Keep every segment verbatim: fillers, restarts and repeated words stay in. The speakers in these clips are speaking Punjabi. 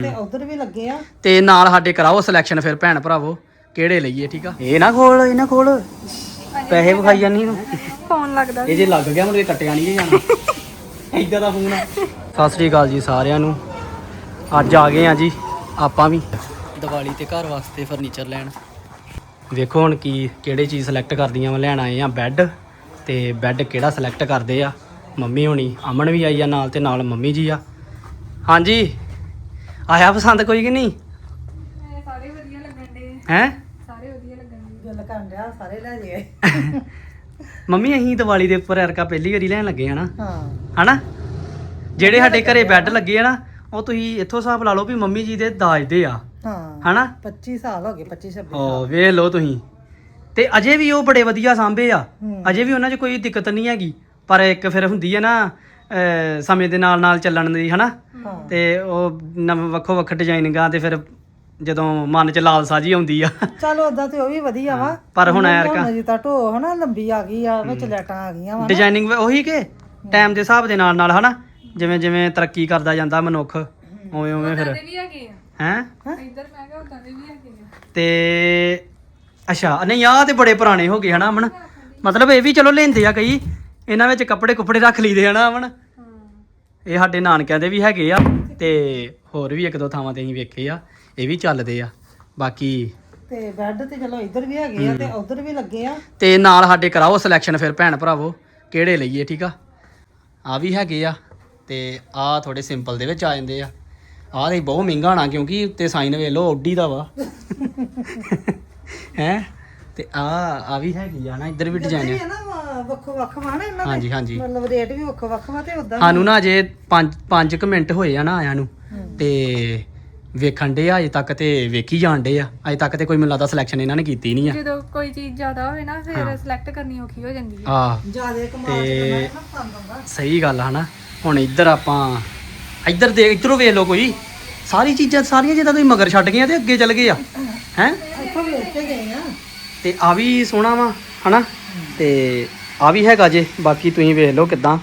ਤੇ ਉਧਰ ਵੀ ਲੱਗੇ ਆ ਤੇ ਨਾਲ ਸਾਡੇ ਕਰਾਓ ਸਿਲੈਕਸ਼ਨ ਫਿਰ ਭੈਣ ਭਰਾਵੋ ਕਿਹੜੇ ਲਈਏ। ਠੀਕ ਆ ਇਹ ਨਾ ਖੋਲ ਇਹ ਨਾ ਖੋਲ ਪੈਸੇ ਵਿਖਾਈ ਜਾਨੀ ਨੂੰ ਫੋਨ ਲੱਗਦਾ ਇਹ ਜੇ ਲੱਗ ਗਿਆ ਮੁਰੇ ਕੱਟਿਆ ਨਹੀਂ ਜਾਣਾ ਏਦਾਂ ਦਾ ਫੋਨ ਆ। ਸਤਿ ਸ੍ਰੀ ਅਕਾਲ ਜੀ ਸਾਰਿਆਂ ਨੂੰ। ਅੱਜ ਆ ਗਏ ਆ ਜੀ ਆਪਾਂ ਵੀ ਦੀਵਾਲੀ ਤੇ ਘਰ ਵਾਸਤੇ ਫਰਨੀਚਰ ਲੈਣ। ਵੇਖੋ ਹੁਣ ਕੀ ਕਿਹੜੇ ਚੀਜ਼ ਸਿਲੈਕਟ ਕਰਦੀਆਂ ਵਾ। ਲੈਣ ਆਏ ਆ ਬੈੱਡ ਤੇ ਬੈੱਡ ਕਿਹੜਾ ਸਿਲੈਕਟ ਕਰਦੇ ਆ ਮੰਮੀ ਹੋਣੀ। ਅਮਨ ਵੀ ਆਈ ਆ ਨਾਲ ਤੇ ਨਾਲ ਮੰਮੀ ਜੀ ਆ। ਹਾਂਜੀ ਆਇਆ ਪਸੰਦ ਕੋਈ ਕਿ ਨਹੀਂ? ਸਾਰੇ ਵਧੀਆ ਲੱਗਣ ਦੇ ਹੈ ਸਾਰੇ ਵਧੀਆ ਲੱਗਣ ਦੇ ਗੱਲ ਕਰਨ ਡਿਆ ਸਾਰੇ ਲੈ ਜੇ ਮੰਮੀ ਅਸੀਂ ਦੀਵਾਲੀ ਦੇ ਉੱਪਰ ਐਰਕਾ ਪਹਿਲੀ ਵਾਰੀ ਲੈਣ ਲੱਗੇ ਹਨਾ। ਹਾਂ ਹਨਾ ਜਿਹੜੇ ਸਾਡੇ ਘਰੇ ਬੈੱਡ ਲੱਗੇ ਆ ਨਾ ਉਹ ਤੁਸੀਂ ਇੱਥੋਂ ਹਿਸਾਬ ਲਾ ਲਓ ਵੀ ਮੰਮੀ ਜੀ ਦੇ ਦਾਜ ਦੇ ਆ ਹਾਂ ਹਨਾ। ਪੱਚੀ ਸਾਲ ਹੋ ਗਏ ਪੱਚੀ ਛੱਬੀ ਓ ਵੇਖ ਲਓ ਤੁਸੀਂ ਤੇ ਅਜੇ ਵੀ ਉਹ ਬੜੇ ਵਧੀਆ ਸਾਂਭੇ ਆ। ਹੂੰ। ਅਜੇ ਵੀ ਉਹਨਾਂ 'ਚ ਕੋਈ ਦਿੱਕਤ ਨਹੀਂ ਹੈਗੀ ਪਰ ਇੱਕ ਫਿਰ ਹੁੰਦੀ ਹੈ ਨਾ ਅਹ ਸਮੇਂ ਦੇ ਨਾਲ ਨਾਲ ਚੱਲਣ ਦੀ ਹਨਾ। ਹਾਂ ਤੇ ਉਹ ਨਵੇਂ ਵੱਖੋ ਵੱਖ ਡਿਜ਼ਾਈਨਿੰਗਾਂ ਤੇ ਫਿਰ ਜਦੋਂ ਮਨ 'ਚ ਲਾਲਸਾ ਜੀ ਆਉਂਦੀ ਆ ਚਲ ਉਦਾਂ ਤੇ ਉਹ ਵੀ ਵਧੀਆ ਵਾ ਪਰ ਹੁਣ ਐਰਕਾ ਜੀ ਤਾਂ ਢੋ ਹਨਾ ਲੰਬੀ ਆ ਗਈ ਆ ਵਿੱਚ ਲੈਟਾਂ ਆ ਗਈਆਂ ਵਾ ਡਿਜ਼ਾਈਨਿੰਗ ਉਹੀ ਕਿ ਟਾਈਮ ਦੇ ਹਿਸਾਬ ਦੇ ਨਾਲ ਨਾਲ ਹਨਾ ਜਿਵੇਂ ਜਿਵੇਂ ਤਰੱਕੀ ਕਰਦਾ ਜਾਂਦਾ ਮਨੁੱਖ ਉਵੇਂ ਉਵੇਂ ਫਿਰ ਵੀ ਹੈਗੇ ਆ ਹੈਂ ਇੱਧਰ ਮੈਂ ਕਿਹਾ ਉਦਾਂ ਦੇ ਵੀ ਹੈਗੇ ਆ ਤੇ ਅੱਛਾ ਨਹੀਂ ਆਹ ਤੇ ਬੜੇ ਪੁਰਾਣੇ ਹੋ ਗਏ ਹਨਾ ਅਮਨ। ਮਤਲਬ ਇਹ ਵੀ ਚਲੋ ਲੈਂਦੇ ਆ ਕਈ ਇਹਨਾਂ ਵਿੱਚ ਕੱਪੜੇ ਕੁੱਪੜੇ ਰੱਖ ਲਈਦੇ ਹਨਾ ਅਮਨ। ਇਹ ਸਾਡੇ ਨਾਨਕਿਆਂ ਦੇ ਵੀ ਹੈਗੇ ਆ ਤੇ ਹੋਰ ਵੀ ਇੱਕ ਦੋ ਥਾਵਾਂ ਤੇ ਅਸੀਂ ਵੇਖੇ ਆ ਇਹ ਵੀ ਚੱਲਦੇ ਆ। ਬਾਕੀ ਤੇ ਬੈੱਡ ਤੇ ਚਲੋ ਇੱਧਰ ਵੀ ਹੈਗੇ ਆ ਤੇ ਉਧਰ ਵੀ ਲੱਗੇ ਆ ਤੇ ਨਾਲ ਸਾਡੇ ਕਰਾਓ ਸਿਲੈਕਸ਼ਨ ਫਿਰ ਭੈਣ ਭਰਾਵੋ ਕਿਹੜੇ ਲਈਏ। ਠੀਕ ਆ ਆ ਵੀ ਹੈਗੇ ਆ ਤੇ ਆ ਥੋੜੇ ਸਿੰਪਲ ਦੇ ਵਿੱਚ ਆ ਜਾਂਦੇ ਆ। ਆਹ ਤੇ ਬਹੁਤ ਮਹਿੰਗਾ ਹੋਣਾ ਕਿਉਂਕਿ ਉੱਤੇ ਸਾਈਨ ਵੇਖ ਲਓ ਓਡੀ ਦਾ ਵਾ ਹੈ ਤੇ ਆ ਆ ਵੀ ਹੈਗੀ ਆ ਨਾ ਇੱਧਰ ਵੀ ਡਿਜ਼ਾਈਨ ਇਹ ਨਾ ਵੱਖੋ ਵੱਖ ਵਾ ਨਾ ਇਹਨਾਂ ਦੇ ਹਾਂਜੀ ਹਾਂਜੀ ਮਤਲਬ ਰੇਟ ਵੀ ਵੱਖੋ ਵੱਖ ਵਾ ਤੇ ਉਦਾਂ ਸਾਨੂੰ ਨਾ ਅਜੇ ਪੰਜ ਪੰਜ ਕੁ ਮਿੰਟ ਹੋਏ ਆ ਨਾ ਆਇਆਂ ਨੂੰ ਤੇ ਵੇਖਣ ਦੇ ਆ ਅਜੇ ਤੱਕ ਤੇ ਵੇਖੀ ਜਾਣ ਡੇ ਆ। ਅਜੇ ਤੱਕ ਤੇ ਕੋਈ ਮੈਨੂੰ ਲੱਗਦਾ ਸਿਲੈਕਸ਼ਨ ਇਹਨਾਂ ਨੇ ਕੀਤੀ ਨਹੀਂ ਆ। ਜਦੋਂ ਕੋਈ ਚੀਜ਼ ਜ਼ਿਆਦਾ ਹੋਵੇ ਨਾ ਫਿਰ ਸਿਲੈਕਟ ਕਰਨੀ ਔਖੀ ਹੋ ਜਾਂਦੀ ਹੈ। ਆ ਜਿਆਦੇ ਕਮਾਲ ਤੇ ਨਾ ਪਸੰਦ ਆਉਂਦਾ ਸਹੀ ਗੱਲ ਆ ਹਨਾ। ਹੁਣ ਇੱਧਰ ਆਪਾਂ ਇੱਧਰ ਦੇ ਇੱਧਰੋਂ ਵੇਖ ਲਓ ਕੋਈ ਸਾਰੀ ਚੀਜ਼ਾਂ ਸਾਰੀਆਂ ਜਿੱਦਾਂ ਤੁਸੀਂ ਮਗਰ ਛੱਡ ਗਏ ਆ ਤੇ ਅੱਗੇ ਚੱਲ ਗਏ ਆ ਹੈ। ਇੱਥੋਂ ਵੇਖ ਕੇ ਗਏ ਆ ਤੇ ਆ ਵੀ ਸੋਹਣਾ ਵਾ ਹਨਾ ਤੇ ਆ ਵੀ ਹੈਗਾ ਜੇ। ਬਾਕੀ ਤੁਸੀਂ ਵੇਖ ਲਓ ਕਿਦਾਂ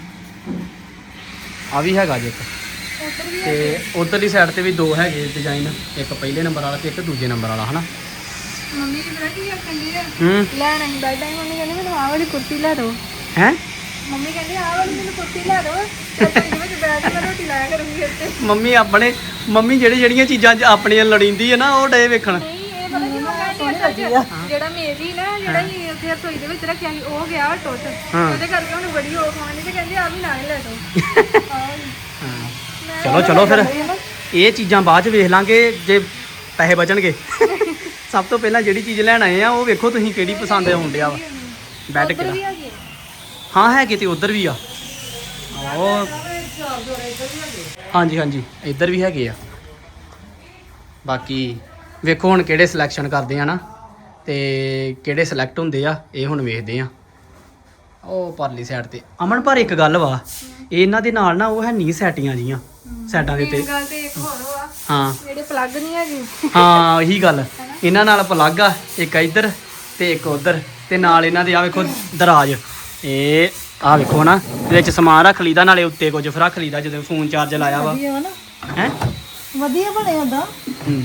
ਆ ਵੀ ਹੈਗਾ ਜੇ ਇੱਕ ਤੇ ਉਧਰਲੀ ਸਾਈਡ ਤੇ ਵੀ ਦੋ ਹੈਗੇ ਡਿਜ਼ਾਈਨ ਇੱਕ ਪਹਿਲੇ ਨੰਬਰ ਵਾਲਾ ਤੇ ਇੱਕ ਦੂਜੇ ਨੰਬਰ ਵਾਲਾ ਹਨਾ। ਮੰਮੀ ਕੀ ਪਤਾ ਕੀ ਕਹਿੰਦੀ ਹੈ ਹੂੰ ਲੈਣ ਆਈ ਬੈਠ ਆਈ ਮੰਮੀ ਕਹਿੰਦੀ ਮੈਨੂੰ ਆਹ ਵਾਲੀ ਕੁਰਸੀ ਲੈ ਦਿਓ। ਹੈ ਮੰਮੀ ਕਹਿੰਦੀ ਆਹ ਵਾਲੀ ਮੈਨੂੰ ਕੁਰਸੀ ਲੈ ਦਿਓ ਤੇ ਇਹਦੇ ਵਿੱਚ ਬੈਠ ਕੇ ਮੈਂ ਰੋਟੀ ਲਾਇਆ ਕਰੂੰਗੀ ਇੱਥੇ। ਮੰਮੀ ਆਪਣੇ ਮੰਮੀ ਜਿਹੜੀ ਜਿਹੜੀਆਂ ਚੀਜ਼ਾਂ 'ਚ ਆਪਣੀਆਂ ਲੜੀਂਦੀ ਹੈ ਨਾ ਉਹ ਡੇ ਵੇਖਣ। ਨਹੀਂ ਇਹ ਪਤਾ ਕੀ ਹੋ ਗਿਆ ਜਿਹੜਾ ਮੇਰੀ ਨਾ ਜਿਹੜਾ ਹੀ ਉੱਥੇ ਰਸੋਈ ਦੇ ਵਿੱਚ ਰੱਖਿਆ ਸੀ ਉਹ ਗਿਆ ਟੁੱਟ ਉਹਦੇ ਕਰਕੇ ਉਹਨੂੰ ਬੜੀ ਹੋ ਖਾਣੀ ਤੇ ਕਹਿੰਦੀ ਆ ਵੀ ਨਾਲ ਹੀ ਲੈ ਦਿਓ। ਹਾਂ ਚਲੋ ਚਲੋ ਫਿਰ ਇਹ ਚੀਜ਼ਾਂ ਬਾਅਦ 'ਚ ਵੇਖ ਲਾਂਗੇ ਜੇ ਪੈਸੇ ਬਚਣਗੇ। ਸਭ ਤੋਂ ਪਹਿਲਾਂ ਜਿਹੜੀ ਚੀਜ਼ ਲੈਣ ਆਏ ਆ ਉਹ ਵੇਖੋ ਤੁਸੀਂ ਕਿਹੜੀ ਪਸੰਦ ਆਉਣ ਡਿਆ ਵਾ ਬੈੱਡ ਕਿਹੜਾ। ਹਾਂ ਹੈਗੇ ਤੇ ਉਧਰ ਵੀ ਆ ਉਹ ਹਾਂਜੀ ਹਾਂਜੀ ਇੱਧਰ ਵੀ ਹੈਗੇ ਆ। ਬਾਕੀ ਵੇਖੋ ਹੁਣ ਕਿਹੜੇ ਸਿਲੈਕਸ਼ਨ ਕਰਦੇ ਆ ਨਾ ਤੇ ਕਿਹੜੇ ਸਿਲੈਕਟ ਹੁੰਦੇ ਆ ਇਹ ਹੁਣ ਵੇਖਦੇ ਆ। ਉਹ ਪਰਲੀ ਸਾਈਡ ਤੇ ਅਮਨ ਪਰ ਇੱਕ ਗੱਲ ਵਾ ਇਹਨਾਂ ਦੇ ਨਾਲ ਨਾ ਉਹ ਹੈ ਨਹੀਂ ਸੈਟੀਆਂ ਜੀਆਂ ਸਾਈਡਾਂ ਦੇ ਉੱਤੇ। ਗੱਲ ਤੇ ਇੱਕ ਹੋਰ ਵਾ ਹਾਂ ਜਿਹੜੇ ਪਲੱਗ ਨਹੀਂ ਹੈਗੇ। ਹਾਂ ਇਹੀ ਗੱਲ ਇਹਨਾਂ ਨਾਲ ਪਲੱਗ ਆ ਇੱਕ ਇੱਧਰ ਤੇ ਇੱਕ ਉੱਧਰ ਤੇ ਨਾਲ ਇਹਨਾਂ ਦੇ ਆ ਵੇਖੋ ਦਰਾਜ ਇਹ ਆ ਵੇਖੋ ਨਾ ਵਿੱਚ ਸਮਾਨ ਰੱਖ ਲਈਦਾ ਨਾਲੇ ਉੱਤੇ ਕੁਝ ਫਿਰ ਰੱਖ ਲਈਦਾ ਜਦੋਂ ਫੋਨ ਚਾਰਜ ਲਾਇਆ ਵਾ ਵਧੀਆ ਵਾ ਨਾ ਹੈ। ਵਧੀਆ ਬਣੇ ਹੁੰਦਾ ਹੂੰ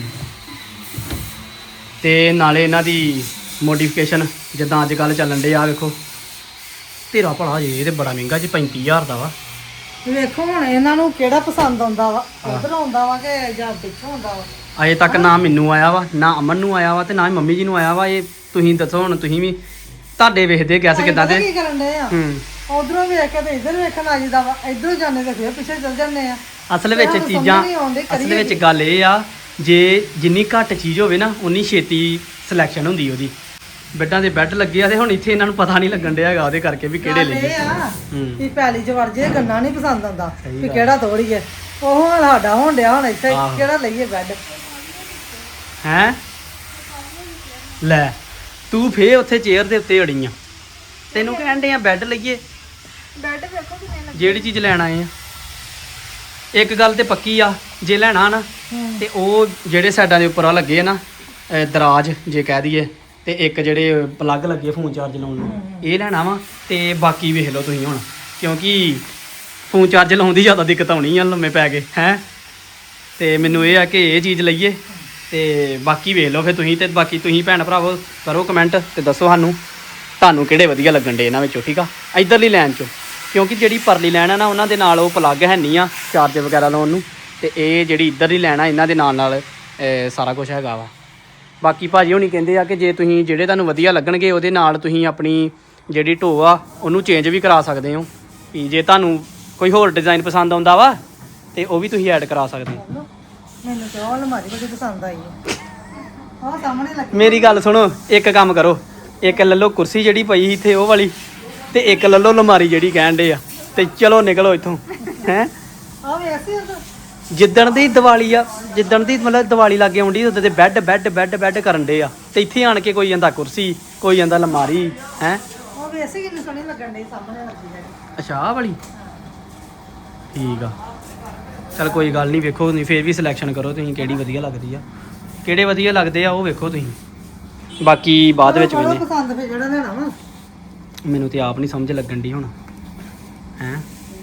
ਤੇ ਨਾਲੇ ਇਹਨਾਂ ਦੀ ਮੋਡੀਫਿਕੇਸ਼ਨ ਜਿੱਦਾਂ ਅੱਜ ਕੱਲ ਚੱਲਣ ਡੇ ਆ ਵੇਖੋ ਤੇਰਾ ਭਲਾ ਜੇ ਇਹ ਤੇ ਬੜਾ ਮਹਿੰਗਾ ਜੀ ਪੈਂਤੀ ਹਜ਼ਾਰ ਦਾ ਵਾ। ਵੇਖੋ ਹੁਣ ਇਹਨਾਂ ਨੂੰ ਕਿਹੜਾ ਪਸੰਦ ਆਉਂਦਾ ਵਾ ਉਧਰ ਆਉਂਦਾ ਵਾ ਕਿ ਜਾਂ ਪਿੱਛੋਂ ਆਉਂਦਾ ਵਾ। ਅਜੇ ਤੱਕ ਨਾ ਮੈਨੂੰ ਆਇਆ ਵਾ ਨਾ ਅਮਨ ਨੂੰ ਆਇਆ ਵਾ ਤੇ ਨਾ ਹੀ ਮੰਮੀ ਜੀ ਨੂੰ ਆਇਆ ਵਾ। ਇਹ ਤੁਸੀਂ ਦੱਸੋ ਹੁਣ ਤੁਸੀਂ ਵੀ ਤੁਹਾਡੇ ਵੇਖਦੇ ਗੈਸ ਕਿੱਦਾਂ ਦੇ। ਕੀ ਕਰਨ ਦੇ ਆ ਹੂੰ ਉਧਰੋਂ ਵੇਖ ਕੇ ਤੇ ਇੱਧਰ ਵੇਖਣ ਆ ਜਿਦਾ ਵਾ ਇਧਰੋਂ ਜਾਂਦੇ ਤੇ ਫਿਰ ਪਿੱਛੇ ਚੱਲ ਜਾਂਦੇ ਆ। ਅਸਲ ਵਿੱਚ ਚੀਜ਼ਾਂ ਅਸਲ ਵਿੱਚ ਗੱਲ ਇਹ ਆ ਜੇ ਜਿੰਨੀ ਘੱਟ ਚੀਜ਼ ਹੋਵੇ ਨਾ ਉਨੀ ਛੇਤੀ ਸਿਲੈਕਸ਼ਨ ਹੁੰਦੀ ਉਹਦੀ। ਬੈੱਡਾਂ ਦੇ ਬੈੱਡ ਲੱਗੇ ਆ ਤੇ ਹੁਣ ਇੱਥੇ ਇਹਨਾਂ ਨੂੰ ਪਤਾ ਨਹੀਂ ਲੱਗਣ ਡਿਆ ਹੈਗਾ ਉਹਦੇ ਕਰਕੇ ਵੀ ਕਿਹੜੇ ਲਈਏ। ਇਹ ਆ ਹੂੰ ਵੀ ਪੈਲੀ ਚ ਵੜ ਜੇ ਗੰਨਾ ਨਹੀਂ ਪਸੰਦ ਆਉਂਦਾ ਸਹੀ ਵੀ ਗੱਲ। ਕਿਹੜਾ ਤੋੜੀਏ ਉਹ ਹੁਣ ਸਾਡਾ ਹੋਣ ਡਿਆ ਹੁਣ ਇੱਥੇ ਆਹੋ। ਕਿਹੜਾ ਲਈਏ ਬੈੱਡ। ਹੈਂ ਲੈ ਤੂੰ ਫੇਰ ਉੱਥੇ ਚੇਅਰ ਦੇ ਉੱਤੇ ਅੜੀ ਆ ਤੈਨੂੰ ਕਹਿਣ ਡੇ ਆ ਬੈੱਡ ਲਈਏ। ਬੈੱਡ ਵੇਖੋ ਕਿੰਨੇ ਲੱਗੇ। ਜਿਹੜੀ ਚੀਜ਼ ਲੈਣ ਆਏ ਆ ਇੱਕ ਗੱਲ ਤੇ ਪੱਕੀ ਆ ਜੇ ਲੈਣਾ ਨਾ ਤੇ ਉਹ ਜਿਹੜੇ ਸਾਈਡਾਂ ਦੇ ਉੱਪਰ ਆ ਲੱਗੇ ਆ ਨਾ ਅਹ ਦਰਾਜ ਜੇ ਕਹਿ ਦਈਏ ਤੇ ਇੱਕ ਜਿਹੜੇ ਪਲੱਗ ਲੱਗੇ ਫੋਨ ਚਾਰਜ ਲਾਉਣ ਨੂੰ ਇਹ ਲੈਣਾ ਵਾ ਤੇ ਬਾਕੀ ਵੇਖ ਲਓ ਤੁਸੀਂ ਹੁਣ ਕਿਉਂਕਿ ਫੋਨ ਚਾਰਜ ਲਾਉਣ ਦੀ ਜ਼ਿਆਦਾ ਦਿੱਕਤ ਆਉਣੀ ਆ ਲੰਮੇ ਪੈ ਕੇ ਹੈ ਤੇ ਮੈਨੂੰ ਇਹ ਆ ਕਿ ਇਹ ਚੀਜ਼ ਲਈਏ ਤੇ ਬਾਕੀ ਵੇਖ ਲਓ ਫਿਰ ਤੁਸੀਂ ਤੇ ਬਾਕੀ ਤੁਸੀਂ ਭੈਣ ਭਰਾਵੋ ਕਰੋ ਕਮੈਂਟ ਤੇ ਦੱਸੋ ਸਾਨੂੰ ਤੁਹਾਨੂੰ ਕਿਹੜੇ ਵਧੀਆ ਲੱਗਣ ਡੇ ਇਹਨਾਂ ਵਿੱਚੋਂ ਠੀਕ ਆ ਇਧਰਲੀ ਲਾਈਨ ਚੋਂ ਕਿਉਂਕਿ ਜਿਹੜੀ ਪਰਲੀ ਲਾਈਨ ਆ ਨਾ ਉਹਨਾਂ ਦੇ ਨਾਲ ਉਹ ਪਲੱਗ ਹੈ ਨਹੀਂ ਆ ਚਾਰਜ ਵਗੈਰਾ ਲਾਉਣ ਨੂੰ ਤੇ ਇਹ ਜਿਹੜੀ ਇੱਧਰਲੀ ਲਾਈਨ ਆ ਇਹਨਾਂ ਦੇ ਨਾਲ ਨਾਲ ਅਹ, ਸਾਰਾ ਕੁਝ ਹੈਗਾ ਵਾ ਬਾਕੀ ਭਾਜੀ ਹੋਣੀ ਕਹਿੰਦੇ ਆ ਕਿ ਜੇ ਤੁਸੀਂ ਜਿਹੜੇ ਤੁਹਾਨੂੰ ਵਧੀਆ ਲੱਗਣਗੇ ਉਹਦੇ ਨਾਲ ਤੁਸੀਂ ਆਪਣੀ ਜਿਹੜੀ ਢੋ ਆ ਉਹਨੂੰ ਚੇਂਜ ਵੀ ਕਰਾ ਸਕਦੇ ਹੋ ਵੀ ਜੇ ਤੁਹਾਨੂੰ ਕੋਈ ਹੋਰ ਡਿਜ਼ਾਈਨ ਪਸੰਦ ਆਉਂਦਾ ਵਾ ਤੇ ਉਹ ਵੀ ਤੁਸੀਂ ਐਡ ਕਰਾ ਸਕਦੇ ਹੋ ਮੈਨੂੰ ਤੇ ਉਹ ਅਲਮਾਰੀ ਬੜੀ ਪਸੰਦ ਆਈ ਹੈ ਉਹ ਸਾਹਮਣੇ ਲੱਗੀ ਮੇਰੀ ਗੱਲ ਸੁਣੋ ਇੱਕ ਕੰਮ ਕਰੋ ਇੱਕ ਲੈ ਲਓ ਕੁਰਸੀ ਜਿਹੜੀ ਪਈ ਸੀ ਇੱਥੇ ਉਹ ਵਾਲੀ ਤੇ ਇੱਕ ਲੈ ਲਓ ਅਲਮਾਰੀ ਜਿਹੜੀ ਕਹਿਣ ਡੇ ਆ ਤੇ ਚਲੋ ਨਿਕਲੋ ਇੱਥੋਂ ਹੈ ਆ ਵੇ ਐਸੀ ਹੁੰਦਾ ਜਿੱਦਣ ਦੀ ਦੀਵਾਲੀ ਆ ਜਿੱਦਣ ਦੀ ਮਤਲਬ ਦੀਵਾਲੀ ਲੱਗੇ ਆਉਂਦੀ ਉਦੋਂ ਤੇ ਬੈੱਡ ਬੈੱਡ ਬੈੱਡ ਬੈੱਡ ਕਰਨ ਡੇ ਆ ਤੇ ਇੱਥੇ ਆਣ ਕੇ ਕੋਈ ਜਾਂਦਾ ਕੁਰਸੀ ਕੋਈ ਜਾਂਦਾ ਅਲਮਾਰੀ ਹੈ ਉਹ ਵੀ ਐਸੀ ਕਿੰਨੀ ਸੋਹਣੀ ਲੱਗਣ ਡਈ ਸਾਹਮਣੇ ਲੱਗੀ ਹੈ ਅੱਛਾ ਆਹ ਵਾਲੀ ਠੀਕ ਆ ਚਲ ਕੋਈ ਗੱਲ ਨਹੀਂ ਵੇਖੋ ਨਹੀਂ ਫੇਰ ਵੀ ਸਿਲੈਕਸ਼ਨ ਕਰੋ ਤੁਸੀਂ ਕਿਹੜੀ ਵਧੀਆ ਲੱਗਦੀ ਆ ਕਿਹੜੇ ਵਧੀਆ ਲੱਗਦੇ ਆ ਉਹ ਵੇਖੋ ਤੁਸੀਂ ਬਾਕੀ ਬਾਅਦ ਵਿੱਚ ਮੈਨੂੰ ਵੇਨੇ ਪਸੰਦ ਫੇ ਜਿਹੜਾ ਲੈਣਾ ਵਾ ਮੈਨੂੰ ਤੇ ਆਪ ਨਹੀਂ ਸਮਝ ਲੱਗਣ ਦੀ ਹੁਣ ਹੈ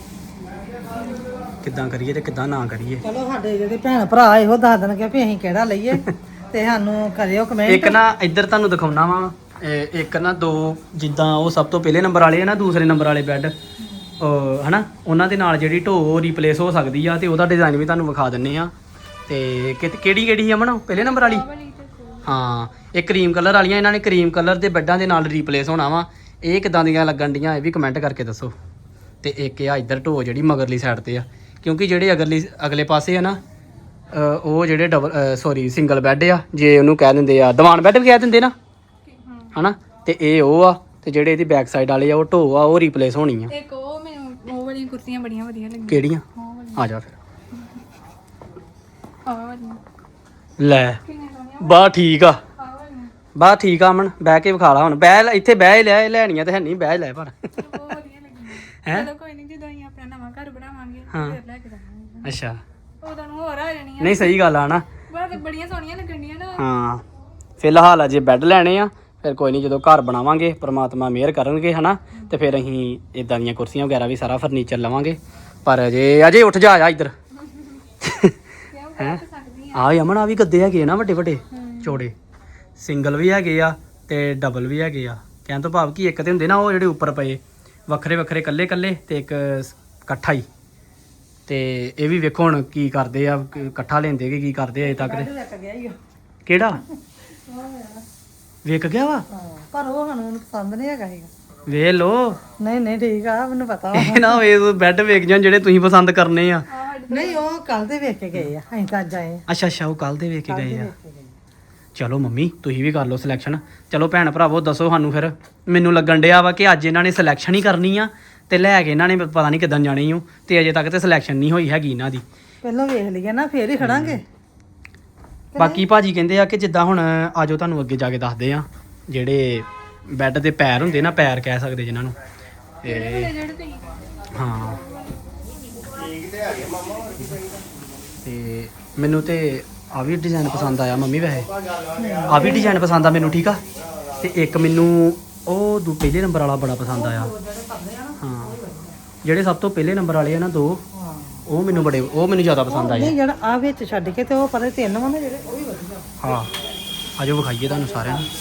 ਕਿੱਦਾਂ ਕਰੀਏ ਤੇ ਕਿੱਦਾਂ ਨਾ ਕਰੀਏ ਚਲੋ ਸਾਡੇ ਜਿਹੜੇ ਭੈਣ ਭਰਾ ਇਹੋ ਦੱਸ ਦੇਣਗੇ ਵੀ ਅਸੀਂ ਕਿਹੜਾ ਲਈਏ ਤੇ ਸਾਨੂੰ ਕਰਿਓ ਕਮੈਂਟ ਇੱਕ ਨਾ ਇੱਧਰ ਤੁਹਾਨੂੰ ਦਿਖਾਉਣਾ ਵਾ ਇੱਕ ਨਾ ਦੋ ਜਿੱਦਾਂ ਉਹ ਸਭ ਤੋਂ ਪਹਿਲੇ ਨੰਬਰ ਵਾਲੇ ਆ ਨਾ ਦੂਸਰੇ ਨੰਬਰ ਵਾਲੇ ਬੈੱਡ ਹਨਾ ਉਹਨਾਂ ਦੇ ਨਾਲ ਜਿਹੜੀ ਢੋ ਰੀਪਲੇਸ ਹੋ ਸਕਦੀ ਆ ਤੇ ਉਹਦਾ ਡਿਜ਼ਾਈਨ ਵੀ ਤੁਹਾਨੂੰ ਵਿਖਾ ਦਿੰਨੇ ਆ ਤੇ ਕਿ- ਕਿਹੜੀ ਕਿਹੜੀ ਸੀ ਅਮਨ ਪਹਿਲੇ ਨੰਬਰ ਵਾਲੀ ਹਾਂ ਇਹ ਕਰੀਮ ਕਲਰ ਵਾਲੀਆਂ ਇਹਨਾਂ ਨੇ ਕਰੀਮ ਕਲਰ ਦੇ ਬੈੱਡਾਂ ਦੇ ਨਾਲ ਰੀਪਲੇਸ ਹੋਣਾ ਵਾ ਇਹ ਕਿਦਾਂ ਦੀਆਂ ਲੱਗਣ ਡੀਆਂ ਇਹ ਵੀ ਕਮੈਂਟ ਕਰਕੇ ਦੱਸੋ ਤੇ ਇੱਕ ਆ ਇੱਧਰ ਢੋ ਜਿਹੜੀ ਮਗਰਲੀ ਸਾਈਡ ਤੇ ਆ ਕਿਉਂਕਿ ਜਿਹੜੇ ਅਗਰਲੀ ਅਗਲੇ ਪਾਸੇ ਆ ਨਾ ਅ, ਉਹ ਜਿਹੜੇ ਡਬਲ ਸੌਰੀ ਸਿੰਗਲ ਬੈੱਡ ਆ ਜੇ ਉਹਨੂੰ ਕਹਿ ਦਿੰਦੇ ਆ ਦੀਵਾਨ ਬੈੱਡ ਵੀ ਕਹਿ ਦਿੰਦੇ ਨਾ ਹਨਾ ਤੇ ਇਹ ਉਹ ਆ ਤੇ ਜਿਹੜੇ ਇਹਦੀ ਬੈਕ ਸਾਈਡ ਵਾਲੇ ਆ ਉਹ ਢੋ ਆ ਉਹ ਰੀਪਲੇਸ ਹੋਣੀ ਆ ਇੱਕ ਉਹ ਮੈਨੂੰ ਉਹ ਵਾਲੀਆਂ ਕੁਰਸੀਆਂ ਬੜੀਆਂ ਵਧੀਆ ਲੱਗੀਆਂ ਕਿਹੜੀਆਂ ਉਹ ਵਾਲੀ ਆ ਜਾ ਫਿਰ ਆਹ ਵਾਲੀਆਂ ਲੈ ਕਿੰਨੇ ਸੋਹਣੀਆਂ ਬਾ ਠੀਕ ਆ ਆਹ ਵਾਲੀਆਂ ਬਾ ਠੀਕ ਆ ਅਮਨ ਬਹਿ ਕੇ ਵਿਖਾ ਲਾ ਹੁਣ ਬਹਿ ਲੈ, ਇੱਥੇ ਬਹਿ ਹੀ ਲੈ ਲੈਣੀਆਂ ਤੇ ਹੈ ਨਹੀਂ ਬਹਿ ਲੈ ਪਰ ਉਹ ਵਧੀਆ ਲੱਗੀਆਂ ਹੈਂ? ਚਲੋ ਕੋਈ ਨਹੀਂ ਜਦੋਂ ਅਸੀਂ ਆਪਣਾ ਨਵਾਂ ਘਰ ਬਣਾਵਾਂਗੇ ਹਾਂ। ਫਿਰ ਲੈ ਕੇ ਜਾਵਾਂਗੇ ਅੱਛਾ ਉਦੋਂ ਨੂੰ ਹੋਰ ਆ ਜਾਣੀਆਂ ਨਹੀਂ ਸਹੀ ਗੱਲ ਆ ਨਾ ਬਾਅਦ ਬੜੀਆਂ ਸੋਹਣੀਆਂ ਲੱਗਣੀਆਂ ਨਾ ਹਾਂ ਫਿਲਹਾਲ ਅਜੇ ਬੈੱਡ ਲੈਣੇ ਆ ਫਿਰ ਕੋਈ ਨਹੀਂ ਜਦੋਂ ਘਰ ਬਣਾਵਾਂਗੇ ਪ੍ਰਮਾਤਮਾ ਮਿਹਰ ਕਰਨਗੇ ਹਨਾ ਤੇ ਫਿਰ ਅਸੀਂ ਇਦਾਂ ਦੀਆਂ ਕੁਰਸੀਆਂ ਵਗੈਰਾ ਵੀ ਸਾਰਾ ਫਰਨੀਚਰ ਲਵਾਂਗੇ ਪਰ ਅਜੇ ਅਜੇ ਉੱਠ ਜਾ ਆ ਇੱਧਰ ਕਿਉਂ ਕਰ ਸਕਦੀ ਆ ਅਮਨ ਆ ਵੀ ਗੱਦੇ ਹੈਗੇ ਨਾ ਵੱਡੇ ਵੱਡੇ ਚੌੜੇ ਸਿੰਗਲ ਵੀ ਹੈਗੇ ਆ ਤੇ ਡਬਲ ਵੀ ਹੈਗੇ ਆ ਕਹਿਣ ਤੋਂ ਭਾਵ ਕਿ ਇੱਕ ਤੇ ਹੁੰਦੇ ਨਾ ਉਹ ਜਿਹੜੇ ਉੱਪਰ ਪਏ ਵੱਖਰੇ ਵੱਖਰੇ ਕੱਲੇ ਕੱਲੇ ਤੇ ਇੱਕ ਇਕੱਠਾ ਹੀ ਤੇ ਇਹ ਵੀ ਵੇਖੋ ਹੁਣ ਕੀ ਕਰਦੇ ਆ ਕ- ਇਕੱਠਾ ਲੈਂਦੇ ਕਿ ਕੀ ਕਰਦੇ ਆ ਅਜੇ ਤੱਕ ਤੇ ਲੱਗ ਗਿਆ ਹੀ ਉਹ ਕਿਹੜਾ ਵੇਖ ਗਿਆ ਵਾ ਹਾਂ ਪਰ ਉਹ ਸਾਨੂੰ ਮੈਨੂੰ ਪਸੰਦ ਨਹੀਂ ਹੈਗਾ ਹੈਗਾ ਵੇਖ ਲੋ ਨਹੀਂ ਨਹੀਂ ਠੀਕ ਆ ਮੈਨੂੰ ਪਤਾ ਵਾ ਇਹ ਨਾ ਵੇ ਬੈੱਡ ਵੇਖ ਜਾਣ ਜਿਹੜੇ ਤੁਸੀਂ ਪਸੰਦ ਕਰਨੇ ਆ ਨਹੀਂ ਉਹ ਕੱਲ ਦੇ ਵੇਖ ਕੇ ਗਏ ਆ ਅਸੀਂ ਤਾਂ ਅੱਜ ਆਏ ਅੱਛਾ ਅੱਛਾ ਉਹ ਕੱਲ ਦੇ ਵੇਖ ਕੇ ਗਏ ਆ ਵੇਖ ਕੇ ਗਏ। ਚਲੋ ਮੰਮੀ ਤੁਸੀਂ ਵੀ ਕਰ ਲਓ ਸਿਲੈਕਸ਼ਨ ਚਲੋ ਭੈਣ ਭਰਾਵੋ ਦੱਸੋ ਸਾਨੂੰ ਫਿਰ ਮੈਨੂੰ ਲੱਗਣ ਡਿਆ ਵਾ ਕਿ ਅੱਜ ਇਹਨਾਂ ਨੇ ਸਿਲੈਕਸ਼ਨ ਹੀ ਕਰਨੀ ਆ ਤੇ ਲੈ ਕੇ ਇਹਨਾਂ ਨੇ ਪਤਾ ਨਹੀਂ ਕਿੱਦਾਂ ਜਾਣੀ ਓ ਤੇ ਅਜੇ ਤੱਕ ਤੇ ਸਿਲੈਕਸ਼ਨ ਨਹੀਂ ਹੋਈ ਹੈਗੀ ਇਹਨਾਂ ਦੀ ਪਹਿਲਾਂ ਵੇਖ ਲਈਏ ਨਾ ਫੇਰ ਹੀ ਖੜਾਂਗੇ ਬਾਕੀ ਭਾਜੀ ਕਹਿੰਦੇ ਆ ਕਿ ਜਿੱਦਾਂ ਹੁਣ ਆਜੋ ਤੁਹਾਨੂੰ ਅੱਗੇ ਜਾ ਕੇ ਦੱਸਦੇ ਆ ਜਿਹੜੇ ਬੈੱਡ ਦੇ ਪੈਰ ਹੁੰਦੇ ਨਾ ਪੈਰ ਕਹਿ ਸਕਦੇ ਜਿਨ੍ਹਾਂ ਨੂੰ ਤੇ ਜਿਹੜੇ ਤੁਸੀਂ ਹਾਂ ਤੇ ਮੈਨੂੰ ਤੇ ਆ ਵੀ ਡਿਜ਼ਾਈਨ ਪਸੰਦ ਆਇਆ ਮੰਮੀ ਵੈਸੇ ਆ ਵੀ ਡਿਜ਼ਾਈਨ ਪਸੰਦ ਆ ਮੈਨੂੰ ਠੀਕ ਆ ਤੇ ਇੱਕ ਮੈਨੂੰ ਉਹ ਦੂ ਪਹਿਲੇ ਨੰਬਰ ਵਾਲਾ ਬੜਾ ਪਸੰਦ ਆਇਆ ਹਾਂ ਜਿਹੜੇ ਸਭ ਤੋਂ ਪਹਿਲੇ ਨੰਬਰ ਵਾਲੇ ਆ ਨਾ ਦੋ ਹਾਂ ਉਹ ਮੈਨੂੰ ਬੜੇ ਉਹ ਮੈਨੂੰ ਜ਼ਿਆਦਾ ਪਸੰਦ ਆਏ ਨਹੀਂ ਜਿਹੜਾ ਆ ਵਿੱਚ ਛੱਡ ਕੇ ਤੇ ਉਹ ਪਰੇ ਤਿੰਨ ਵਾ ਨਾ ਜਿਹੜੇ ਉਹ ਵੀ ਵਧੀਆ ਹਾਂ ਆਜੋ ਵਿਖਾਈਏ ਤੁਹਾਨੂੰ ਸਾਰਿਆਂ ਨੂੰ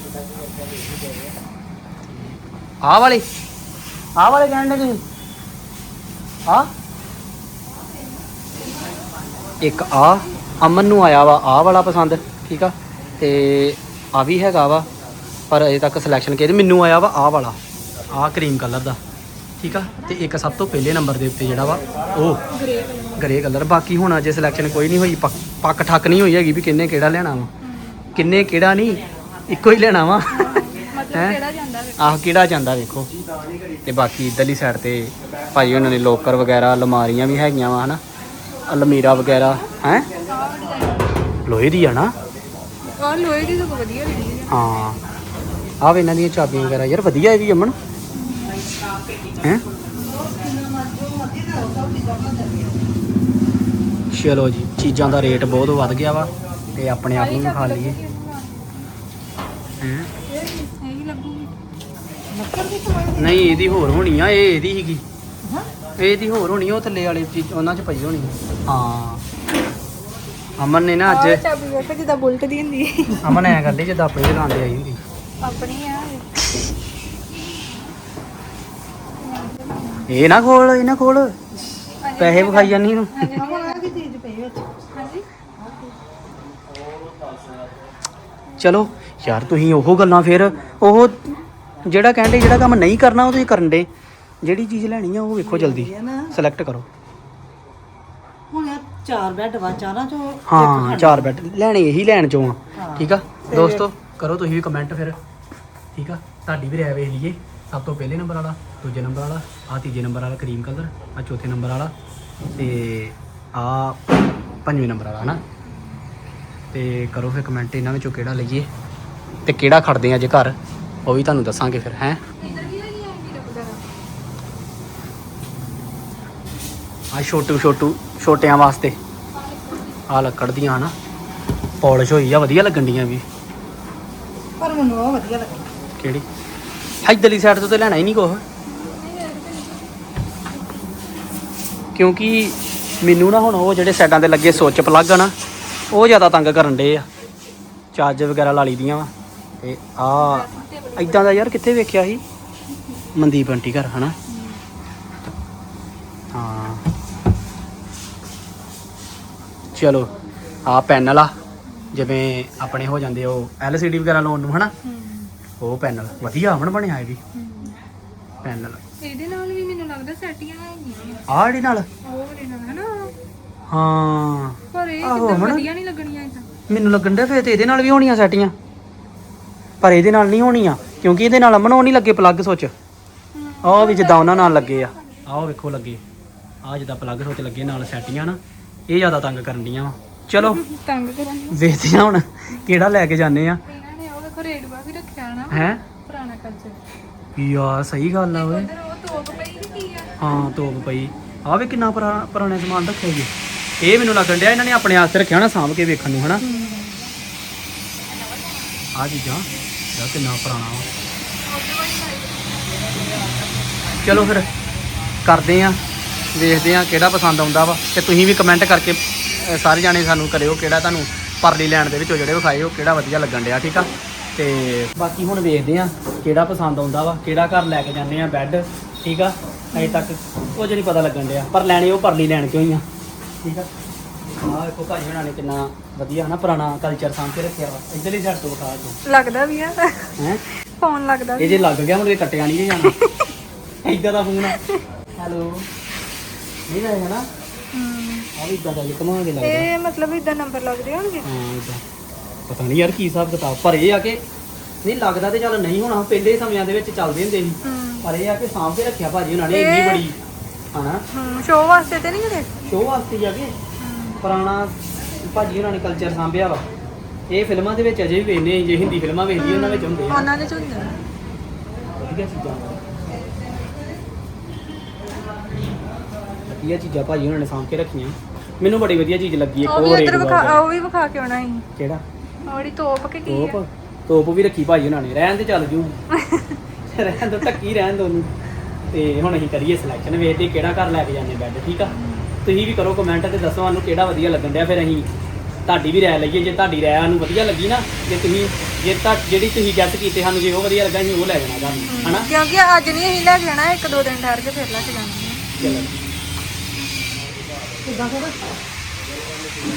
ਆਹ ਵਾਲੇ ਆਹ ਵਾਲੇ ਕਹਿਣ ਦੇ ਤੁਸੀਂ ਆ ਇੱਕ ਆ ਅਮਨ ਨੂੰ ਆਇਆ ਵਾ ਆਹ ਵਾਲਾ ਪਸੰਦ ਠੀਕ ਆ ਤੇ ਆ ਵੀ ਹੈਗਾ ਵਾ ਪਰ ਅਜੇ ਤੱਕ ਸਿਲੈਕਸ਼ਨ ਕਿਹਦੇ ਮੈਨੂੰ ਆਇਆ ਵਾ ਆਹ ਵਾਲਾ ਆਹ ਕਰੀਮ ਕਲਰ ਦਾ ਠੀਕ ਆ ਤੇ ਇੱਕ ਸਭ ਤੋਂ ਪਹਿਲੇ ਨੰਬਰ ਦੇ ਉੱਤੇ ਜਿਹੜਾ ਵਾ ਉਹ ਗ੍ਰੇ ਕਲਰ ਬਾਕੀ ਹੁਣ ਅਜੇ ਸਿਲੈਕਸ਼ਨ ਕੋਈ ਨਹੀਂ ਹੋਈ ਪੱਕ ਪੱਕ ਠੱਕ ਨਹੀਂ ਹੋਈ ਹੈਗੀ ਵੀ ਕਿੰਨੇ ਕਿਹੜਾ ਲੈਣਾ ਵਾ ਕਿੰਨੇ ਕਿਹੜਾ ਨਹੀਂ ਇੱਕੋ ਹੀ ਲੈਣਾ ਵਾ ਮਤਲਬ ਕਿਹੜਾ ਜਾਂਦਾ ਵੇ ਆਹ ਕਿਹੜਾ ਜਾਂਦਾ ਵੇਖੋ ਤੇ ਬਾਕੀ ਇੱਧਰਲੀ ਸਾਈਡ ਤੇ ਭਾਈ ਉਹਨਾਂ ਨੇ ਲੋਕਰ ਵਗੈਰਾ ਅਲਮਾਰੀਆਂ ਵੀ ਹੈਗੀਆਂ ਵਾ ਹਨਾ ਅਲਮੀਰਾ ਵਗੈਰਾ ਹੈ ਲੋਹੇ ਦੀ ਆ ਨਾ ਆਹ ਲੋਹੇ ਦੀ ਤਾਂ ਵਧੀਆ ਲੱਗੀ ਹੈ ਹਾਂ ਆਹ ਵੇ ਇਹਨਾਂ ਦੀਆਂ ਚਾਬੀਆਂ ਵਗੈਰਾ ਯਾਰ ਵਧੀਆ ਇਹ ਵੀ ਅਮਨ ਹੈ ਚਲੋ ਜੀ ਚੀਜ਼ਾਂ ਦਾ ਰੇਟ ਬਹੁਤ ਵੱਧ ਗਿਆ ਵਾ ਤੇ ਆਪਣੇ ਆਪ ਨੂੰ ਵੀ ਖਾ ਲਈਏ ਹੈਂ ਇਹੀ ਲੱਗੂਗੀ ਲੱਕੜ ਦੀ ਕਮਾਈ ਨਹੀਂ ਇਹਦੀ ਹੋਰ ਹੋਣੀ ਆ ਇਹ ਇਹਦੀ ਸੀਗੀ ਹਾਂ ਇਹਦੀ ਹੋਰ ਹੋਣੀ ਆ, ਉਹ ਥੱਲੇ ਵਾਲੇ ਚੀਜ਼ ਉਹਨਾਂ 'ਚ ਪਈ ਹੋਣੀ ਆ। ਹਾਂ ਅਮਨ ਨੇ ਨਾ ਆਹ ਅੱਜ ਚਾਬੀ ਵੇਖੋ ਜਿੱਦਾਂ ਬੁਲਟ ਦੀ ਹੁੰਦੀ ਹੈ। ਅਮਨ ਐ ਕਰਦੀ ਜਿੱਦਾਂ ਆਪਣੀ ਦੁਕਾਨ ਤੇ ਆਈ ਹੁੰਦੀ। ਆਪਣੀ ਆ ਇਹ ਨਾ ਖੋਲ ਇਹ ਨਾ ਖੋਲ ਪੈਸੇ ਵਿਖਾਈ ਜਾਨੀ ਨੂੰ। ਅਮਨ ਆ ਕੀ ਚੀਜ਼ ਪਈ ਵਿੱਚ ਹਾਂਜੀ ਚਲੋ ਯਾਰ ਤੁਸੀਂ ਉਹ ਗੱਲਾਂ ਫਿਰ ਉਹ ਜਿਹੜਾ ਕਹਿੰਦੇ ਜਿਹੜਾ ਕੰਮ ਨਹੀਂ ਕਰਨਾ ਉਹ ਤੁਸੀਂ ਕਰਨ ਦੇ। ਜਿਹੜੀ ਚੀਜ਼ ਲੈਣੀ ਆ ਉਹ ਵੇਖੋ ਜਲਦੀ ਇਹ ਨਾ ਸਿਲੈਕਟ ਕਰੋ। ਹੁਣ ਇਹ ਚਾਰ ਬੈੱਡ ਵਾ ਚਾਰਾਂ ਚੋਂ ਇੱਕ ਹਾਂ ਖਾਣਾ। ਚਾਰ ਬੈੱਡ ਲੈਣੇ ਇਹੀ ਲੈਣ ਚੋਂ ਆ। ਹਾਂ। ਠੀਕ ਆ ਤੇ- ਦੋਸਤੋ ਕਰੋ ਤੁਸੀਂ ਵੀ ਕਮੈਂਟ ਫਿਰ। ਠੀਕ ਆ ਤੁਹਾਡੀ ਵੀ ਰਾਏ ਵੇਖ ਲਈਏ। ਸਭ ਤੋਂ ਪਹਿਲੇ ਨੰਬਰ ਵਾਲਾ, ਦੂਜੇ ਨੰਬਰ ਵਾਲਾ, ਆ ਤੀਜੇ ਨੰਬਰ ਵਾਲਾ ਕਰੀਮ ਕਲਰ, ਆ ਚੌਥੇ ਨੰਬਰ ਵਾਲਾ ਤੇ ਆ ਪੰਜਵੇਂ ਨੰਬਰ ਵਾਲਾ ਹਨਾ। ਤੇ ਕਰੋ ਫਿਰ ਕਮੈਂਟ ਇਹਨਾਂ ਵਿੱਚੋਂ ਕਿਹੜਾ ਲਈਏ ਤੇ ਕਿਹੜਾ ਖੜਦੇ ਆ ਜੇ ਘਰ ਉਹ ਵੀ ਤੁਹਾਨੂੰ ਦੱਸਾਂਗੇ ਫਿਰ ਹੈ। ਇੱਧਰ ਵੀ ਹੈਗੀ ਆ ਵੀਡੀਓ ਵਗੈਰਾ ਆ ਛੋਟੂ ਛੋਟੂ ਛੋਟਿਆਂ ਵਾਸਤੇ ਆ ਲੱਕੜ ਦੀਆਂ ਹਨਾ ਪੌਲਿਸ਼ ਹੋਈ ਆ ਵਧੀਆ ਲੱਗਣ ਡੀਆਂ ਵੀ। ਪਰ ਮੈਨੂੰ ਉਹ ਵਧੀਆ ਲੱਗੀ। ਕਿਹੜੀ ਇੱਧਰਲੀ ਸਾਈਡ ਤੋਂ ਤੇ ਲੈਣਾ ਹੀ ਨਹੀਂ ਕੁਛ ਕਿਉਂਕਿ ਮੈਨੂੰ ਨਾ ਹੁਣ ਉਹ ਜਿਹੜੇ ਸਾਈਡਾਂ ਤੇ ਲੱਗੇ ਸੁੱਚ ਪਲੱਗ ਆ ਨਾ ਉਹ ਜ਼ਿਆਦਾ ਤੰਗ ਕਰਨ ਡੇ ਆ। ਚਾਰਜ ਵਗੈਰਾ ਲਾ ਲਈ ਦੀਆਂ ਵਾ ਤੇ ਆ ਇਦਾਂ ਦਾ ਯਾਰ ਕਿੱਥੇ ਵੇਖਿਆ ਸੀ ਮਨਦੀਪ ਆਂਟੀ ਘਰ ਹਨਾ। ਹਾਂ ਚਲੋ ਆ ਪੈਨਲ ਆ ਜਿਵੇਂ ਆਪਣੇ ਹੋ ਜਾਂਦੇ ਉਹ ਐਲ ਸੀ ਡੀ ਵਗੈਰਾ ਲਾਉਣ ਨੂੰ ਹਨਾ। ਉਹ ਪੈਨਲ ਵਧੀਆ ਅਮਨ ਬਣਿਆ ਇਹ ਵੀ ਪੈਨਲ। ਇਹਦੇ ਨਾਲ ਵੀ ਮੈਨੂੰ ਲੱਗਦਾ ਸੈਟੀਆਂ ਹੈਗੀਆਂ ਆਹ ਜਿਹੜੀ ਨਾਲ ਉਹ ਵਾਲੇ ਨਾਲ ਹਨਾ। ਹਾਂ ਪਰ ਇਹ ਆਹੋ, ਕਿੱਦਾਂ ਹਨਾ। ਵਧੀਆ ਨਹੀਂ ਲੱਗਣੀਆਂ ਇਦਾਂ। ਮੈਨੂੰ ਲੱਗਣ ਡਿਆ ਫਿਰ ਤੇ ਇਹਦੇ ਨਾਲ ਵੀ ਹੋਣੀਆਂ ਸੈਟੀਆਂ ਪਰ ਇਹਦੇ ਨਾਲ ਨਹੀਂ ਹੋਣੀਆਂ ਕਿਉਂਕਿ ਇਹਦੇ ਨਾਲ ਅਮਨ ਉਹ ਨਹੀਂ ਲੱਗੇ ਪਲੱਗ ਸੁੱਚ। ਆਹ ਵੀ ਜਿੱਦਾਂ ਉਹਨਾਂ ਨਾਲ ਲੱਗੇ ਆ ਆਹ ਵੇਖੋ ਲੱਗੇ ਆਹ ਜਿੱਦਾਂ ਪਲੱਗ ਸੁੱਚ ਲੱਗੇ ਨਾਲ ਸੈਟੀਆਂ ਨਾ ਇਹ ਜ਼ਿਆਦਾ ਤੰਗ ਕਰਨ ਡੀਆਂ ਵਾ। ਚਲੋ ਤੰਗ ਕਰਾਂਗੇ ਵੇਖਦੇ ਹਾਂ ਹੁਣ ਕਿਹੜਾ ਲੈ ਕੇ ਜਾਂਦੇ ਆ ਇਹਨਾਂ ਨੇ ਉਹ ਵੇਖੋ ਰੇਡਵਾ ਵੀ ਰੱਖਿਆ ਨਾ ਹੈ। ਪੁਰਾਣਾ ਕਲਚਰ। ਯਾਰ ਸਹੀ ਗੱਲ ਆ ਓਏ। ਉਧਰ ਉਹ ਤੋਪ ਪਈ ਨੀ ਕੀ ਆ। ਹਾਂ ਤੋਪ ਪਈ ਆ ਵੀ ਕਿੰਨਾ ਪੁਰਾ- ਪੁਰਾਣੇ ਸਮਾਨ ਰੱਖਿਆ ਜੀ। ਇਹ ਮੈਨੂੰ ਲੱਗਣ ਡਿਆ ਇਹਨਾਂ ਨੇ ਆਪਣੇ ਆਸਤੇ ਰੱਖਿਆ ਹੋਣਾ ਸਾਂਭ ਕੇ ਵੇਖਣ ਨੂੰ ਹਨਾ। ਆ ਚੀਜ਼ਾਂ ਯਾਰ ਕਿੰਨਾ ਪੁਰਾਣਾ ਵਾ। ਚਲੋ ਫਿਰ ਕਰਦੇ ਆ ਵੇਖਦੇ ਆ ਕਿਹੜਾ ਪਸੰਦ ਆਉਂਦਾ ਵਾ ਤੇ ਤੁਸੀਂ ਵੀ ਕਮੈਂਟ ਕਰਕੇ ਅ, ਸਾਰੇ ਜਾਣੇ ਸਾਨੂੰ ਕਰਿਓ ਕਿਹੜਾ ਤੁਹਾਨੂੰ ਪਰਲੀ ਲੈਣ ਦੇ ਵਿੱਚੋਂ ਜਿਹੜੇ ਵਿਖਾਏ ਉਹ ਕਿਹੜਾ ਵਧੀਆ ਲੱਗਣ ਡਿਆ। ਠੀਕ ਆ ਤੇ ਬਾਕੀ ਹੁਣ ਵੇਖਦੇ ਆ ਕਿਹੜਾ ਪਸੰਦ ਆਉਂਦਾ ਵਾ ਕਿਹੜਾ ਘਰ ਲੈ ਕੇ ਜਾਂਦੇ ਆ ਬੈੱਡ। ਠੀਕ ਆ ਅਜੇ ਤੱਕ ਕੁਝ ਨਹੀਂ ਪਤਾ ਲੱਗਣ ਡਿਆ ਪਰ ਲੈਣੇ ਉਹ ਪਰਲੀ ਲੈਣ ਕਿਉਂ ਹੀ ਆ। ਠੀਕ ਆ ਆਹ ਵੇਖੋ ਭਾਜੀ ਹੁਣਾਂ ਨੇ ਕਿੰਨਾ ਵਧੀਆ ਨਾ ਪੁਰਾਣਾ ਕਲਚਰ ਸਾਂਭ ਕੇ ਰੱਖਿਆ ਵਾ। ਇੱਧਰਲੀ ਸਾਈਡ ਤੋਂ ਵਿਖਾ ਤੂੰ ਲੱਗਦਾ ਵੀ ਆ ਹੈ ਫੋਨ ਲੱਗਦਾ ਇਹ ਵੀ ਜੇ ਲੱਗ ਗਿਆ ਹੁਣ ਇਹ ਕੱਟਿਆ ਨਹੀਂ ਜੇ ਜਾਣਾ ਇੱਦਾਂ ਦਾ ਫੋਨ ਆ। ਹੈਲੋ ਨਹੀਂ ਰਹੇ ਨਾ ਹਮ। ਆ ਵੀ ਇਦਾਂ ਦਾ ਜੇ ਘੁਮਾ ਕੇ ਲੱਗਦਾ। ਇਹ ਮਤਲਬ ਇਦਾਂ ਨੰਬਰ ਲੱਗਦੇ ਹੋਣਗੇ। ਹਾਂ ਇਦਾਂ ਪਤਾ ਨਹੀਂ ਯਾਰ ਕੀ ਹਿਸਾਬ ਕਿਤਾਬ ਪਰ ਇਹ ਆ ਕਿ ਨਹੀਂ ਲੱਗਦਾ ਤੇ ਚੱਲ ਨਹੀਂ ਹੋਣਾ ਪਹਿਲੇ ਸਮਿਆਂ ਦੇ ਵਿੱਚ ਚੱਲਦੇ ਹੁੰਦੇ ਸੀ ਹਮ ਪਰ ਇਹ ਆ ਕਿ ਸਾਂਭ ਕੇ ਰੱਖਿਆ ਭਾਜੀ ਉਹਨਾਂ ਨੇ ਇੰਨੀ ਇਹ- ਬੜੀ ਹਨਾ ਹਮ ਸ਼ੋਅ ਵਾਸਤੇ ਤੇ ਨਹੀਂ ਕਰੇ। ਸ਼ੋਅ ਵਾਸਤੇ ਹੀ ਆ ਕਿ ਪੁਰਾਣਾ ਭਾਜੀ ਉਹਨਾਂ ਨੇ ਕਲਚਰ ਸਾਂਭਿਆ ਵਾ। ਇਹ ਫਿਲਮਾਂ ਦੇ ਵਿੱਚ ਅਜੇ ਵੀ ਵੇਖਦੇ ਜੇ ਹਿੰਦੀ ਫਿਲਮਾਂ ਵੇਖਦੀ ਉਹਨਾਂ ਵਿੱਚ ਹੁੰਦੇ ਆ ਉਹਨਾਂ ਦੇ ਚ ਹੁੰਦੇ ਆ। ਵਧੀਆ ਚੀਜ਼ਾਂ ਵਧੀਆ ਚੀਜ਼ਾਂ ਭਾਜੀ ਉਹਨਾਂ ਨੇ ਸਾਂਭ ਕੇ ਰੱਖੀਆਂ। ਮੈਨੂੰ ਬੜੀ ਵਧੀਆ ਚੀਜ਼ ਲੱਗੀ ਇੱਕ ਉਹ ਵੀ ਹੋਰ ਇੱਧਰ ਰੇਟ ਵਿਖਾ ਉਹ ਵੀ ਵਿਖਾ ਕੇ ਆਉਣਾ ਸੀ। ਕਿਹੜਾ ਉਹਦੀ ਤੋਪ ਕੇ ਕੀ ਤੋਪ ਆ। ਤੋਪ ਵੀ ਰੱਖੀ ਭਾਜੀ ਉਹਨਾਂ ਨੇ ਰਹਿਣ ਤੇ ਚੱਲ ਜੂ ਰਹਿਣ ਤੋਂ ਟੱਕੀ ਰਹਿਣ ਦੋ ਉਹਨੂੰ। ਤੇ ਹੁਣ ਅਸੀਂ ਕਰੀਏ ਸਿਲੈਕਸ਼ਨ ਵੇਖਦੇ ਕਿਹੜਾ ਘਰ ਲੈ ਕੇ ਜਾਂਦੇ ਬੈੱਡ। ਠੀਕ ਆ ਤੁਸੀਂ ਵੀ ਕਰੋ ਕਮੈਂਟ ਤੇ ਦੱਸੋ ਸਾਨੂੰ ਕਿਹੜਾ ਵਧੀਆ ਲੱਗਣ ਡਿਆ ਫਿਰ ਅਸੀਂ ਤੁਹਾਡੀ ਵੀ ਰਾਏ ਲਈਏ। ਜੇ ਤੁਹਾਡੀ ਰਾਏ ਸਾਨੂੰ ਵਧੀਆ ਲੱਗੀ ਨਾ ਜੇ ਤੁਸੀਂ ਜੇ ਤਾਂ ਜਿਹੜੀ ਤੁਸੀਂ ਗੈਸ ਕੀਤੇ ਸਾਨੂੰ ਜੇ ਉਹ ਵਧੀਆ ਲੱਗਾ ਅਸੀਂ ਉਹ ਲੈ ਜਾਣਾ ਤੁਹਾਨੂੰ ਹਨਾ। ਕਿਉਂਕਿ ਅੱਜ ਨਹੀਂ ਅਸੀਂ ਲੈ ਕੇ ਜਾਣਾ ਇੱਕ ਦੋ ਦਿਨ ਠਹਿਰ ਕੇ ਫਿਰ ਲੈ ਕੇ ਜਾਣਾ। ਚਲੋ ਕਿੱਦਾਂ ਫਿਰ